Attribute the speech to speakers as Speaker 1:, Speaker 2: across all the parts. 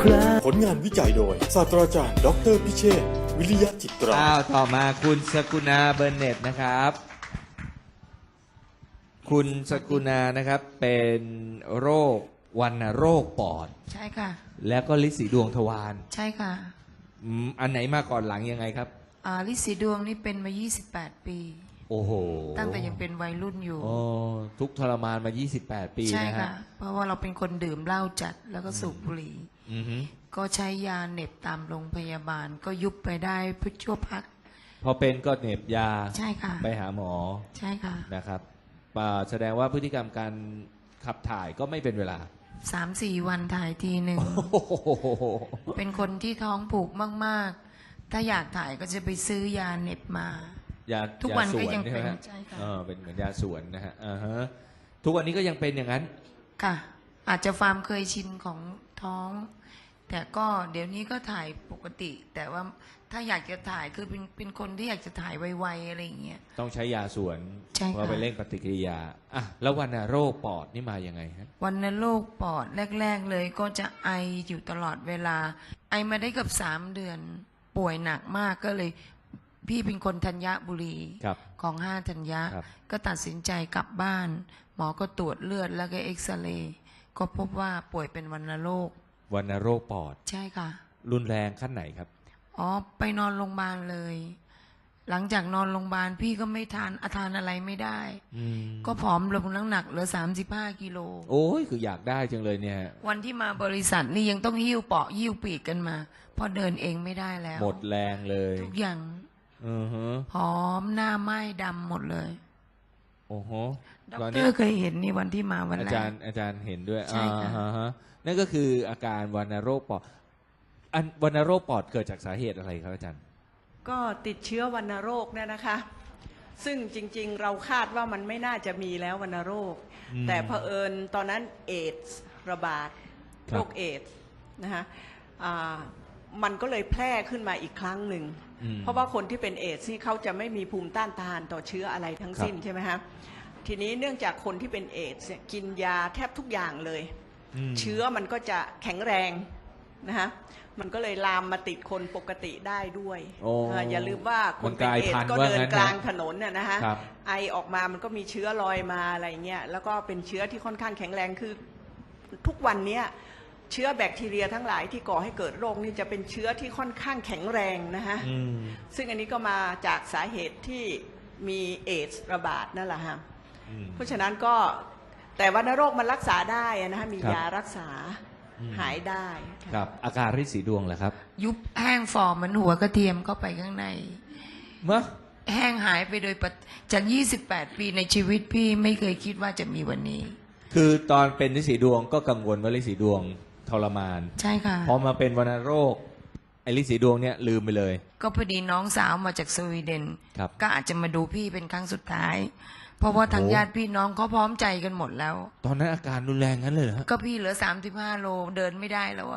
Speaker 1: ครา
Speaker 2: ผลงานวิจัยโดยศาสตราจารย์ดออเตอร์พิเชษฐ์วิริยะจิตรา
Speaker 3: ต่อมาคุณสกุณาเบอร์เน็ตนะครับ คุณสกุณานะครับเป็นโรควัณโรคปอด
Speaker 4: ใช่ค่ะ
Speaker 3: แล้วก็ลินสีดวงทวาร
Speaker 4: ใช่ค่ะ
Speaker 3: อันไหนมาก่อนหลังยังไงครับ
Speaker 4: ลิสีดวงนี่เป็นมา 28 ปี
Speaker 3: โอ้โห
Speaker 4: ตั้งแต่ยังเป็นวัยรุ่นอยู่
Speaker 3: โอ้ทุกข์ทรมานมา 28 ปี
Speaker 4: ใช่
Speaker 3: นะ
Speaker 4: ค่ะ
Speaker 3: ฮะ
Speaker 4: เพราะว่าเราเป็นคนดื่มเหล้าจัดแล้วก็สูบบุหรี่
Speaker 3: อือฮึ
Speaker 4: ก็ใช้ยาเหน็บตามโรงพยาบาล ก็ยุบไปได้เพื่อชั่วพัก
Speaker 3: พอเป็นก็เหน็บยา
Speaker 4: ใช่ค่ะ
Speaker 3: ไปหาหมอ
Speaker 4: ใช่ค่ะ
Speaker 3: นะครับแสดงว่าพฤติกรรมการขับถ่ายก็ไม่เป็นเวลา
Speaker 4: 3-4 วันถ่ายทีหนึ่ง
Speaker 3: โอ้โห
Speaker 4: เป็นคนที่ท้องผูกมากๆ ถ้าอยากถ่ายก็จะไปซื้อยาเหน็บมา
Speaker 3: ยา
Speaker 4: ทุกวัน
Speaker 3: ยาส
Speaker 4: ก็ยัง
Speaker 3: ใช่ไหม
Speaker 4: เป็น
Speaker 3: ฮะ
Speaker 4: ใช่ค่ะ
Speaker 3: เป็นเหมือนยาสวนนะฮะทุกวันนี้ก็ยังเป็นอย่างนั้น
Speaker 4: ค่ะ อาจจะความเคยชินของท้อง แต่ก็เดี๋ยวนี้ก็ถ่ายปกติ แต่ว่าถ้าอยากจะถ่ายคือเป็นคนที่อยากจะถ่ายไวๆอะไรอย่างเงี้ย
Speaker 3: ต้องใช้ยาสวน
Speaker 4: ใช่ค่ะ
Speaker 3: เพราะไปเร่งปฏิกิริยาแล้ววัณโรคปอดนี่มายังไงฮะ
Speaker 4: วัณโรคปอดแรก ๆ เลยก็จะไออยู่ตลอดเวลา ไอมาได้เกับ3 เดือน ป่วยหนักมากก็เลย พี่เป็นคนธัญบุรี
Speaker 3: ครับ
Speaker 4: ของ5ธัญญะ
Speaker 3: ครับ
Speaker 4: ก็ตัดสินใจกลับบ้าน หมอก็ตรวจเลือดแล้วก็เอ็กซเรย์ก็พบว่าป่วยเป็นวัณโรค
Speaker 3: วัณโรคปอด
Speaker 4: ใช่ค่ะ
Speaker 3: รุนแรงขั้นไหนครับ
Speaker 4: ไปนอนโรงพยาบาลเลย หลังจากนอนโรงพยาบาลพี่ก็ไม่ทานอะไรไม่ได้ ก็ผอมลงน้ำหนักเหลือ35 กิโล
Speaker 3: โอ้ยคืออยากได้จังเลยเนี่ย
Speaker 4: วันที่มาบริษัทนี่ยังต้องหิ้วเปาะหิ้วปีกกันมาเพราะเดินเองไม่ได้แล้ว
Speaker 3: หมดแรงเลย
Speaker 4: ทุกอย่าง
Speaker 3: อือฮะ
Speaker 4: ผอมหน้าไหม้ดำหมดเลย
Speaker 3: โอ้โห
Speaker 4: ด็อก
Speaker 3: ตอน
Speaker 4: เต
Speaker 3: นี้
Speaker 4: อร์เคยเห็นนี่วันที่มาวัน
Speaker 3: อา
Speaker 4: แร
Speaker 3: จาก รย์เห็นด้วย
Speaker 4: ใช่ค่ะ
Speaker 3: ฮะนั่นก็คืออาการวัณโรคปอดวัณโรคปอดเกิดจากสาเหตุอะไรครับอาจารย์
Speaker 5: ก็ติดเชื้อวัณโรคเนี่ยนะคะ ซึ่งจริงๆเราคาดว่ามันไม่น่าจะมีแล้ววัณโรค แต่เผอิญตอนนั้นเอดส์ระบาด
Speaker 3: ครับ
Speaker 5: โรคเอดส์นะคะมันก็เลยแพร่ขึ้นมาอีกครั้งหนึ่ง เพราะว่าคนที่เป็นเอดส์นี่เขาจะไม่มีภูมิต้านทานต่อเชื้ออะไรทั้งสิ้นใช่ไหมคะทีนี้เนื่องจากคนที่เป็นเอดส์เนี่ยกินยาแทบทุกอย่างเลย เชื้อมันก็จะแข็งแรงนะคะมันก็เลยลามมาติดคนปกติได้ด้วย
Speaker 3: โอ้
Speaker 5: อย่าลืมว่าคนเป็นเอดส์ก็เดินกลางถนนน่ะนะคะ
Speaker 3: ครับ
Speaker 5: ไอออกมามันก็มีเชื้อลอยมาอะไรเงี้ยแล้วก็เป็นเชื้อที่ค่อนข้างแข็งแรงคือทุกวันเนี้ยเชื้อแบคทีเรียทั้งหลายที่ก่อให้เกิดโรคนี่จะเป็นเชื้อที่ค่อนข้างแข็งแรงนะคะซึ่งอันนี้ก็มาจากสาเหตุที่มีเอดส์ระบาดนั่นแหละฮะเพราะฉะนั้นก็แต่วัณโรคมันรักษาได้นะคะมี
Speaker 3: ครับ
Speaker 5: ยารักษาหายได้ค่ะ
Speaker 3: ครับ อาการริดสีดวงเหรอครับ
Speaker 4: ยุบแห้งฝ่อเหมือนหัวกระเทียมเข้าไปข้างใน
Speaker 3: มะ
Speaker 4: แห้งหายไปโดยจาก 28 ปีในชีวิตพี่ไม่เคยคิดว่าจะมีวันนี้
Speaker 3: คือตอนเป็นริดสีดวงก็กังวลว่าริดสีดวงทรมาน
Speaker 4: ใช่ค่ะ
Speaker 3: พอมาเป็นวัณโรคไอ้ริดสีดวงเนี่ยลืมไปเลย
Speaker 4: ก็พอดีน้องสาวมาจากสวีเดน
Speaker 3: ครับ
Speaker 4: ก็อาจจะมาดูพี่เป็นครั้งสุดท้าย เพราะว่าทาง
Speaker 3: โอ้
Speaker 4: ญาติพี่น้องเขาพร้อมใจกันหมดแล้ว
Speaker 3: ตอนนั้นอาการรุนแรงงั้นเลยเหรอฮะ
Speaker 4: ก็พี่เหลือ35 โลเดินไม่ได้แล้วอะ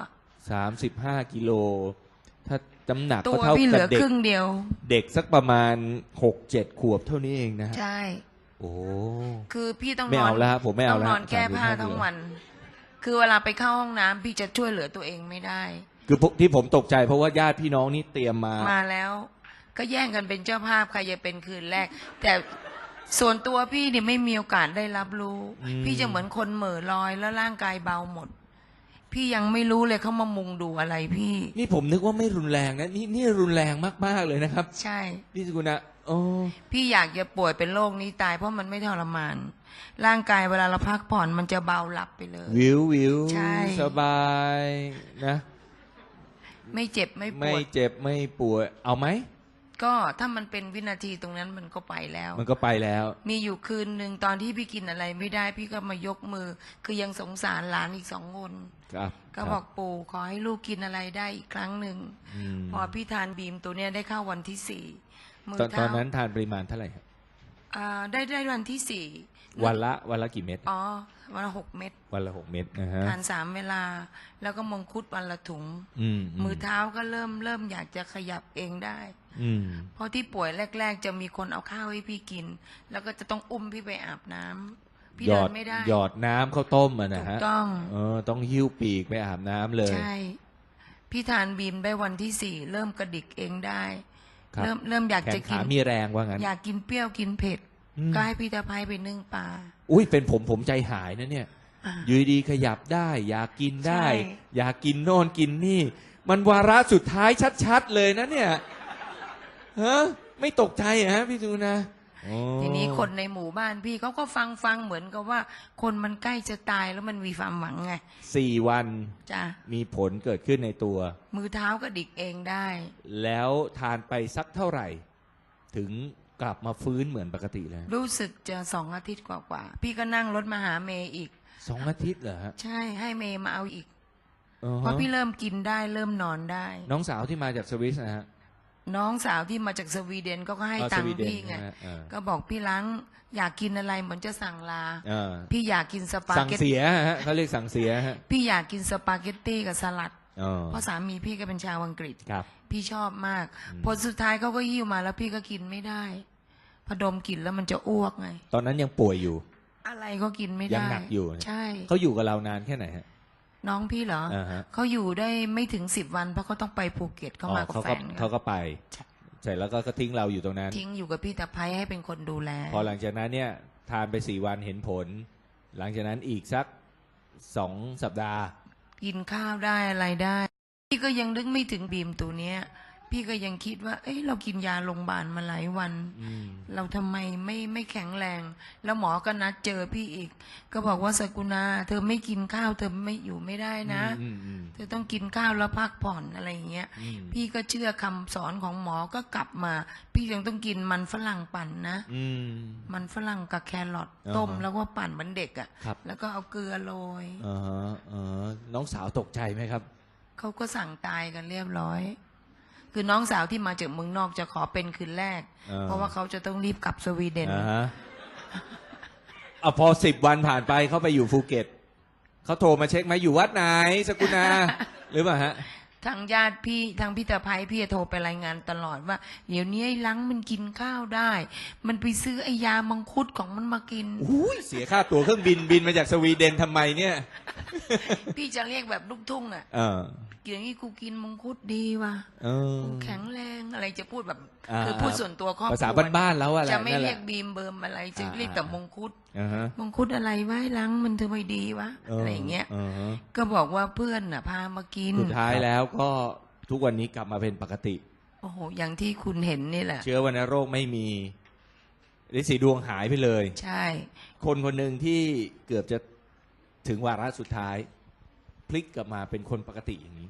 Speaker 3: 35 กิโล ถ้าน้ำหนัก
Speaker 4: ตั
Speaker 3: ก็
Speaker 4: ว
Speaker 3: เท่า
Speaker 4: พี่เห
Speaker 3: กั
Speaker 4: ลื
Speaker 3: บ
Speaker 4: อ
Speaker 3: เด็
Speaker 4: ค
Speaker 3: ก
Speaker 4: รึ่งเดียว
Speaker 3: เด็กสักประมาณ 6-7 ขวบเท่านี้เองนะฮะ
Speaker 4: ใช่
Speaker 3: โอ้
Speaker 4: คือพี่ต้อง
Speaker 3: ไม่
Speaker 4: นอ
Speaker 3: เอา
Speaker 4: น
Speaker 3: แล้วฮะผมไม่เอา
Speaker 4: ต้อง
Speaker 3: แล้ว
Speaker 4: นอนแก้ผ้า
Speaker 3: 35
Speaker 4: ทั้งวัน คือเวลาไปเข้าห้องน้ำพี่จะช่วยเหลือตัวเองไม่ได้
Speaker 3: คือที่ผมตกใจเพราะว่าญาติพี่น้องนี่เตรียมมา
Speaker 4: มาแล้ว ก็แย่งกันเป็นเจ้าภาพใครจะเป็นคืนแรก แต่ส่วนตัวพี่เนี่ยไม่มีโอกาสได้รับรู้ พี่จะเหมือนคนเหม่อลอยแล้วร่างกายเบาหมด พี่ยังไม่รู้เลยเขามามุงดูอะไรพี่
Speaker 3: นี่ผมนึกว่าไม่รุนแรงนะนี่รุนแรงมากๆเลยนะครับ
Speaker 4: ใช่
Speaker 3: พี่สกุณะโอ้
Speaker 4: พี่อยากจะป่วยเป็นโรคนี้ตายเพราะมันไม่ทรมาน ร่างกายเวลาเราพักผ่อนมันจะเบาหลับไปเลย
Speaker 3: วิว
Speaker 4: ใช่
Speaker 3: สบายนะ
Speaker 4: ไม่เจ็บไม่ป
Speaker 3: ไม่
Speaker 4: วด
Speaker 3: เจ็บไม่ป่วยเอาไหม
Speaker 4: ก็ถ้ามันเป็นวินาทีตรงนั้นมันก็ไปแล้ว
Speaker 3: มันก็ไปแล้ว
Speaker 4: มีอยู่คืนหนึ่งตอนที่พี่กินอะไรไม่ได้ พี่ก็มายกมือ คือยังสงสารหลานอีก2 คน
Speaker 3: ครับ
Speaker 4: ก็บอกปู่ขอให้ลูกกินอะไรได้อีกครั้งหนึ่ง
Speaker 3: ม
Speaker 4: พอพี่ทานบีมตัวเนี้ยได้เข้าวันที่4มือ
Speaker 3: ตอน
Speaker 4: เท้า
Speaker 3: นั้นทานปริมาณเท่าไหร่ครับ
Speaker 4: ได้วันที่4
Speaker 3: วันละกี่เม็ด
Speaker 4: อ๋อวันละ6 เม็ด
Speaker 3: วันละ6 เม็ดนะฮะ
Speaker 4: ทาน3 เวลา แล้วก็มังคุดวันละถุง มือเท้าก็เริ่มอยากจะขยับเองได้ เพราะที่ป่วยแรก ๆ จะมีคนเอาข้าวให้พี่กิน แล้วก็จะต้องอุ้มพี่ไปอาบน้ำพี่
Speaker 3: หย
Speaker 4: เดิ
Speaker 3: อด
Speaker 4: นไม่ได้
Speaker 3: หยอดน้ำข้าวต้มอะนะฮะ
Speaker 4: ถูกต้อง
Speaker 3: ต้องหิ้วปีกไปอาบน้ำเลย
Speaker 4: ใช่พี่ทานบีมได้วันที่ 4เริ่มกระดิกเองได้
Speaker 3: ครับ
Speaker 4: เริ่มอยาก
Speaker 3: แข
Speaker 4: จะ
Speaker 3: น
Speaker 4: กิ
Speaker 3: ขาน มีแรงว่างั้น
Speaker 4: อยากกินเปรี้ยวกินเผ็ด
Speaker 3: อืม
Speaker 4: ก็ให้พี่ตะไพไปนึ่งปลา
Speaker 3: อุ้ยเป็นผมใจหายนะเนี่ย
Speaker 4: อ่า
Speaker 3: อยู่ดีๆขยับได้ อยากกินได้
Speaker 4: ใช่
Speaker 3: อยากกินโน่นกินนี่ มันวาระสุดท้ายชัดๆเลยนะเนี่ยฮะไม่ตกใจเหรอฮะพี่ตูนนะโอ้
Speaker 4: ทีนี้คนในหมู่บ้านพี่เขาก็ฟังเหมือนกับว่า คนมันใกล้จะตายแล้วมันมีความหวังไง
Speaker 3: 4 วัน
Speaker 4: จ้ะ
Speaker 3: มีผลเกิดขึ้นในตัว
Speaker 4: มือเท้ากระดิกเองได้
Speaker 3: แล้วทานไปสักเท่าไหร่ ถึงกลับมาฟื้นเหมือนปกติเลย
Speaker 4: รู้สึกจะ2 อาทิตย์กว่าๆพี่ก็นั่งรถมาหาเมย์อีก
Speaker 3: 2 อาทิตย์เหรอฮะ
Speaker 4: ใช่ให้เมย์มาเอาอีก
Speaker 3: อือฮะ
Speaker 4: เพราะพี่เริ่มกินได้เริ่มนอนได้
Speaker 3: น้องสาวที่มาจากสวิสนะฮะ
Speaker 4: น้องสาวที่มาจากสวีเดนก็ให้
Speaker 3: อ๋อ
Speaker 4: ตั
Speaker 3: ส
Speaker 4: ง
Speaker 3: วี
Speaker 4: ค์
Speaker 3: เดน
Speaker 4: พี่ไง
Speaker 3: นะฮะเออ
Speaker 4: ก็บอกพี่ล้างอยากกินอะไรเหมือนจะสั่งลา
Speaker 3: เออ
Speaker 4: พี่อยากกินสปา
Speaker 3: สั่ง
Speaker 4: เกต
Speaker 3: เสียฮะเขาเรียกสั่งเสียฮะ
Speaker 4: พี่อยากกินสปาเกตตี้กับสลัด
Speaker 3: อ๋อ
Speaker 4: เพราะสามีพี่ก็เป็นชาวอังกฤษ
Speaker 3: ครับ
Speaker 4: พี่ชอบมาก
Speaker 3: อืม
Speaker 4: ผลสุดท้ายเขาก็หิ้วมาแล้วพี่ก็กินไม่ได้พอดมกลิ่นแล้วมันจะอ้วกไง
Speaker 3: ตอนนั้นยังป่วยอยู่
Speaker 4: อะไรก็กินไม่
Speaker 3: ยั
Speaker 4: ได้
Speaker 3: งหนักอยู่
Speaker 4: ใช่
Speaker 3: เขาอยู่กับเรานานแค่ไหนฮะ
Speaker 4: น้องพี่เหรอ
Speaker 3: อ่าฮะ
Speaker 4: เขาอยู่ได้ไม่ถึง10 วันเพราะเขาต้องไปภูเก็ตเขามากับ
Speaker 3: เขา
Speaker 4: แฟ
Speaker 3: ก็
Speaker 4: น
Speaker 3: เขาก็ไปเสร็จแล้วก็ทิ้งเราอยู่ตรงนั้น
Speaker 4: ทิ้งอยู่กับพี่ตะไพให้เป็นคนดูแล
Speaker 3: พอหลังจากนั้นเนี่ยทานไป4 วันเห็นผล หลังจากนั้นอีกสัก2 สัปดาห์
Speaker 4: กินข้าวได้อะไรได้ พี่ก็ยังนึกไม่ถึงบีมตัวเนี้ย พี่ก็ยังคิดว่า เอ้ยเรากินยาโรงพยาบาลมาหลายวัน
Speaker 3: อืม
Speaker 4: เราทำไมไม่แข็งแรง แล้วหมอก็นัดเจอพี่อีก ก็บอกว่าสกุณาเธอไม่กินข้าวเธอไม่อยู่ไม่ได้นะ
Speaker 3: อืมอืม
Speaker 4: เธอต้องกินข้าวแล้วพักผ่อนอะไรอย่างเงี้ย
Speaker 3: อืม
Speaker 4: พี่ก็เชื่อคำสอนของหมอก็กลับมา พี่ยังต้องกินมันฝรั่งปั่นนะ
Speaker 3: อืม
Speaker 4: มันฝรั่งกับแครอท
Speaker 3: อ่าฮะ
Speaker 4: ต้มแล้วก็ปั่นเหมือนเด็กอะ
Speaker 3: ครับ
Speaker 4: แล้วก็เอาเกลือโรย
Speaker 3: อ่าฮะน้องสาวตกใจไหมครับ
Speaker 4: เขาก็สั่งตายกันเรียบร้อย คือน้องสาวที่มาจากเมืองนอกจะขอเป็นคืนแรก
Speaker 3: อ่า
Speaker 4: เพราะว่าเขาจะต้องรีบกลับสวีเดน
Speaker 3: อ่าฮะเอาพอ10 วันผ่านไปเขาไปอยู่ภูเก็ตเขาโทรมาเช็คไหมอยู่วัดไหนสกุณา หรือเปล่าฮะ
Speaker 4: ทางญาติพี่ทางพี่ตะไพพี่จะโทรไปรายงานตลอดว่า เดี๋ยวนี้ไอ้ลังมันกินข้าวได้ มันไปซื้อไอ้ยามังคุดของมันมากิน
Speaker 3: อุ้ยเสียค่าตั๋วเครื่องบินมาจากสวีเดนทำไมเนี่ย
Speaker 4: พี่จะเรียกแบบลูกทุ่งอ่ะ
Speaker 3: เออ
Speaker 4: อย่างนี้กูกินมังคุดดีว่ะ
Speaker 3: เออ
Speaker 4: กูแข็งแรงอะไรจะพูดแบบ
Speaker 3: อ่า
Speaker 4: คือพูดส่วนตัวครอบครัว
Speaker 3: ภาษาบ้านๆแล้วอะไร
Speaker 4: จะไม่
Speaker 3: นั่นแห
Speaker 4: เรี
Speaker 3: ละ
Speaker 4: ยกบีมเบิมอะไรจะเรียกแต่มังคุด
Speaker 3: อ่าฮะ
Speaker 4: มังคุดอะไรวะไอ้ลังมันทำไมดีวะอะไรอย่างเงี้ย
Speaker 3: าฮะ
Speaker 4: ก็บอกว่าเพื่อนน่ะพามากิน
Speaker 3: สุดท้ายแล้วก็ทุกวันนี้กลับมาเป็นปกติ
Speaker 4: โอ้โห อย่างที่คุณเห็นนี่แหละ
Speaker 3: เชื้อวัณโรคไม่มีฤทธิ์สีดวงหายไปเลย
Speaker 4: ใช่
Speaker 3: คนคนหนึ่งที่เกือบจะถึงวาระสุดท้าย พลิกกลับมาเป็นคนปกติอย่างนี้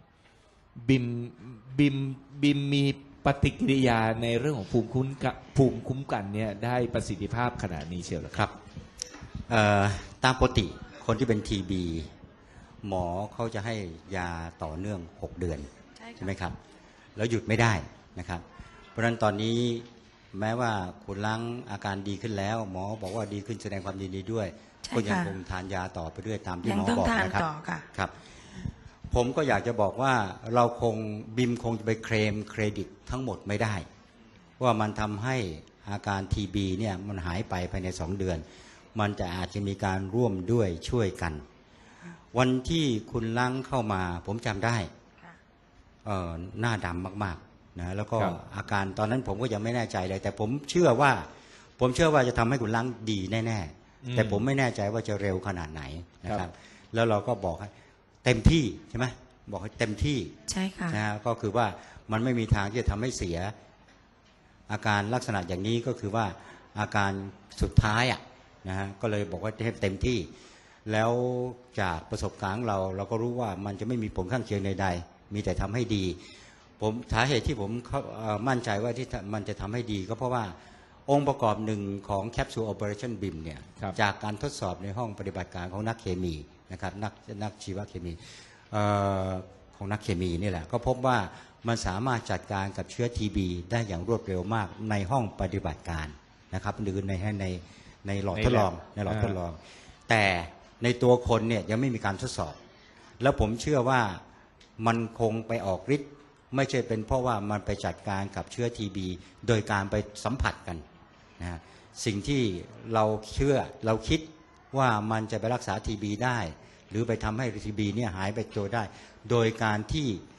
Speaker 3: บิมมีปฏิกิริยาในเรื่องของภูมิคุ้มกันเนี่ยได้ประสิทธิภาพขนาดนี้เชียวเหรอ
Speaker 1: ครับตามปกติคนที่เป็นทีบีหมอเขาจะให้ยาต่อเนื่อง 6 เดือน ใช่ไหมครับ แล้วหยุดไม่ได้นะครับ เพราะฉะนั้นตอนนี้แม้ว่าคุณล้างอาการดีขึ้นแล้ว หมอบอกว่าดีขึ้นแสดงความยินดีด้วย
Speaker 4: ใช่
Speaker 1: ก็ยัง
Speaker 4: ค่ะ
Speaker 1: คงทานยาต่อไปด้วยตามที่
Speaker 4: ยัง
Speaker 1: หมอ
Speaker 4: ต้อง
Speaker 1: บอก
Speaker 4: ทาน
Speaker 1: นะครับ
Speaker 4: ต่อค่ะ
Speaker 1: ครับ ผมก็อยากจะบอกว่าเราคงบิมคงจะไปเคลมเครดิตทั้งหมดไม่ได้ ว่ามันทำให้อาการทีบีเนี่ยมันหายไปภายใน2 เดือน มันจะอาจจะมีการร่วมด้วยช่วยกัน วันที่คุณล้างเข้ามาผมจำได้
Speaker 4: ค่ะ
Speaker 1: หน้าดำมากๆนะแล้วก็
Speaker 3: ครับ
Speaker 1: อาการตอนนั้นผมก็ยังไม่แน่ใจเลย แต่ผมเชื่อว่าจะทำให้คุณล้างดีแน่ๆแต่ผมไม่แน่ใจว่าจะเร็วขนาดไหนนะครับ แล้วเราก็บอกให้เต็มที่ใช่ไหมบอกให้เต็มที่
Speaker 4: ใช่ค่ะ
Speaker 1: นะฮะก็คือว่ามันไม่มีทางที่จะทำให้เสีย อาการลักษณะอย่างนี้ก็คือว่าอาการสุดท้ายอ่ะนะฮะก็เลยบอกว่าให้เต็มที่ แล้วจากประสบการณ์ของเราก็รู้ว่ามันจะไม่มีผลข้างเคียงใดๆมีแต่ทำให้ดีผมสาเหตุที่ผมมั่นใจว่าที่มันจะทำให้ดีก็เพราะว่าองค์ประกอบหนึ่งของแคปซูล Operation BIM เนี่ย
Speaker 3: ครับ
Speaker 1: จากการทดสอบในห้องปฏิบัติการของนักเคมีนะครับนักชีวเคมีของนักเคมีนี่แหละก็พบว่ามันสามารถจัดการกับเชื้อ TB ได้อย่างรวดเร็วมากในห้องปฏิบัติการนะครับหรือในหลอดทดลองในหลอดทดลอง แต่ในตัวคนเนี่ยยังไม่มีการทดสอบ แล้วผมเชื่อว่ามันคงไปออกฤทธิ์ไม่ใช่เป็นเพราะว่ามันไปจัดการกับเชื้อ TB โดยการไปสัมผัสกันนะสิ่งที่เราคิดว่ามันจะไปรักษา TB ได้ หรือไปทำให้ TB เนี่ยหายไปตัวได้ โดยการที่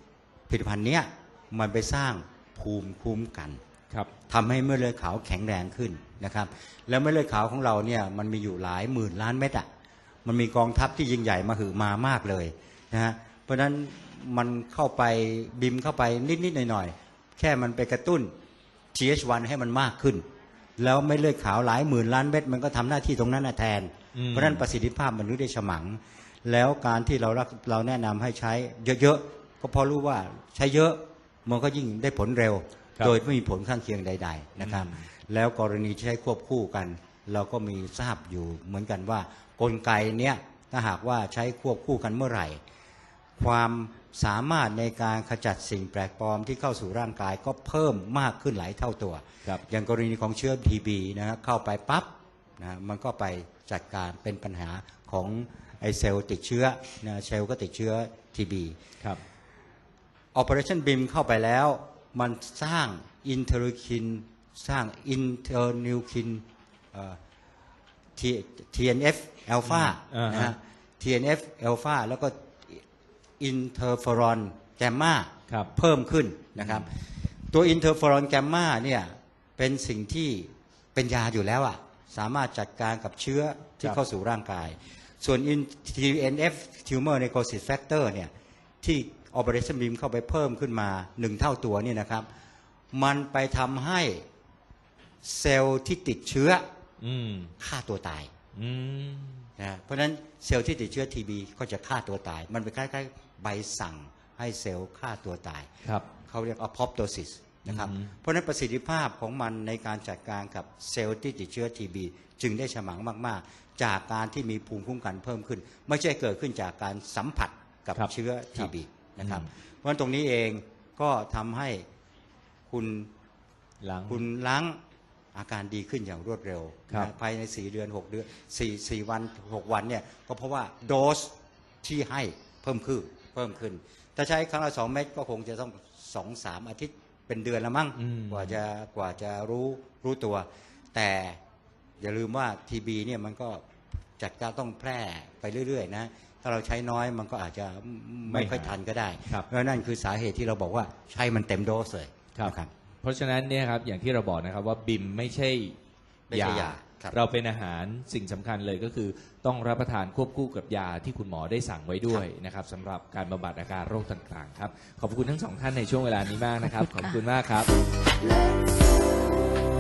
Speaker 1: ผลิตภัณฑ์เนี้ยมันไปสร้างภูมิคุ้มกัน
Speaker 3: ครับ
Speaker 1: ทำให้เม็ดเลือดขาวแข็งแรงขึ้นนะครับแล้วเม็ดเลือดขาวของเราเนี่ยมันมีอยู่หลายหมื่นล้านเม็ดอ่ะมันมีกองทัพที่ยิ่งใหญ่มาหือมามากเลยนะฮะเพราะฉะนั้นมันเข้าไปบิมเข้าไปนิดๆหน่อยๆแค่มันไปกระตุ้น TH1 ให้มันมากขึ้นแล้วเม็ดเลือดขาวหลายหมื่นล้านเม็ดมันก็ทำหน้าที่ตรงนั้นแทนเพราะฉะนั้นประสิทธิภาพมันรู้ได้ฉมังแล้วการที่เราแนะนำให้ใช้เยอะๆก็เพราะรู้ว่าใช้เยอะมันก็ยิ่งได้ผลเร็ว
Speaker 3: ครับ
Speaker 1: โดยไม่มีผลข้างเคียงใดๆนะครับแล้วกรณีที่ใช้ควบคู่กัน เราก็มีทราบอยู่เหมือนกันว่ากลไกเนี้ยถ้าหากว่าใช้ควบคู่กันเมื่อไหร่ ความสามารถในการขจัดสิ่งแปลกปลอมที่เข้าสู่ร่างกายก็เพิ่มมากขึ้นหลายเท่าตัว
Speaker 3: ครับ
Speaker 1: อย่างกรณีของเชื้อ TB นะครับเข้าไปปั๊บนะมันก็ไปจัดการเป็นปัญหาของไอเซลล์ติดเชื้อนะเซลล์ก็ติดเชื้อ TB
Speaker 3: ครับ
Speaker 1: Operation BIM เข้าไปแล้วมันสร้างอินเทอร์คินสร้างอินเทอร์นิวคินTNF อัลฟา
Speaker 3: อ่าฮะ
Speaker 1: นะฮะ TNF อัลฟาแล้วก็อินเทอร์เฟอรอนแกมมา
Speaker 3: ครับ
Speaker 1: เพิ่มขึ้นนะครับตัวอินเทอร์เฟอรอนแกมมาเนี่ยเป็นสิ่งที่เป็นยาอยู่แล้วอะสามารถจัดการกับเชื้อที่เข้าสู่ร่างกาย ส่วน TNF Tumor Necrosis Factor เนี่ยที่ Operation BIM เข้าไปเพิ่มขึ้นมา1เท่าตัวนี่นะครับมันไปทำให้เซลล์ที่ติดเชื้อ
Speaker 3: อืม
Speaker 1: ฆ่าตัวตาย
Speaker 3: อืม
Speaker 1: นะเพราะฉะนั้นเซลล์ที่ติดเชื้อ TB ก็จะฆ่าตัวตาย มันเป็นคล้ายๆใบสั่งให้เซลล์ฆ่าตัวตาย
Speaker 3: ครับ
Speaker 1: เขาเรียก apoptosis นะครับ
Speaker 3: อืม
Speaker 1: เพราะฉะนั้นประสิทธิภาพของมันในการจัดการกับเซลล์ที่ติดเชื้อ TB จึงได้ฉมังมากๆ จากการที่มีภูมิคุ้มกันเพิ่มขึ้น ไม่ใช่เกิดขึ้นจากการสัมผัสกับ
Speaker 3: ครับ
Speaker 1: เชื้อ TB นะครับ
Speaker 3: อืม
Speaker 1: เพราะฉะนั้นตรงนี้เองก็ทำให้คุณ
Speaker 3: หลัง
Speaker 1: คุณล้างอาการดีขึ้นอย่างรวดเร็ว
Speaker 3: ครับ
Speaker 1: นะภายใน4เดือน6เดือน4วัน6วันเนี่ยก็เพราะว่าโดสที่ให้เพิ่มขึ้นถ้าใช้ครั้งละ2 เม็ดก็คงจะต้อง 2-3 อาทิตย์เป็นเดือนละมั้ง
Speaker 3: อืม
Speaker 1: กว่าจะรู้ตัว แต่อย่าลืมว่า TB เนี่ยมันก็จัดการต้องแพร่ไปเรื่อยๆนะถ้าเราใช้น้อยมันก็อาจจะไม่ค่อยทันก็ได้
Speaker 3: ครับ
Speaker 1: เพราะนั่นคือสาเหตุที่เราบอกว่าใช้มันเต็มโดสเลย
Speaker 3: ครับ
Speaker 1: นะครับ
Speaker 3: เพราะฉะนั้นเนี่ยครับอย่างที่เราบอกนะครับว่าบิมไม่ใช่
Speaker 1: ไม่ใช่ยาครับ
Speaker 3: เราเป็นอาหารสิ่งสำคัญเลยก็คือต้องรับประทานควบคู่กับยาที่คุณหมอได้สั่งไว้ด้วยนะครับสำหรับการบำบัดอาการโรคต่างๆครับขอบคุณทั้งสองท่านในช่วงเวลานี้มากนะครับ ขอบคุณมากครับ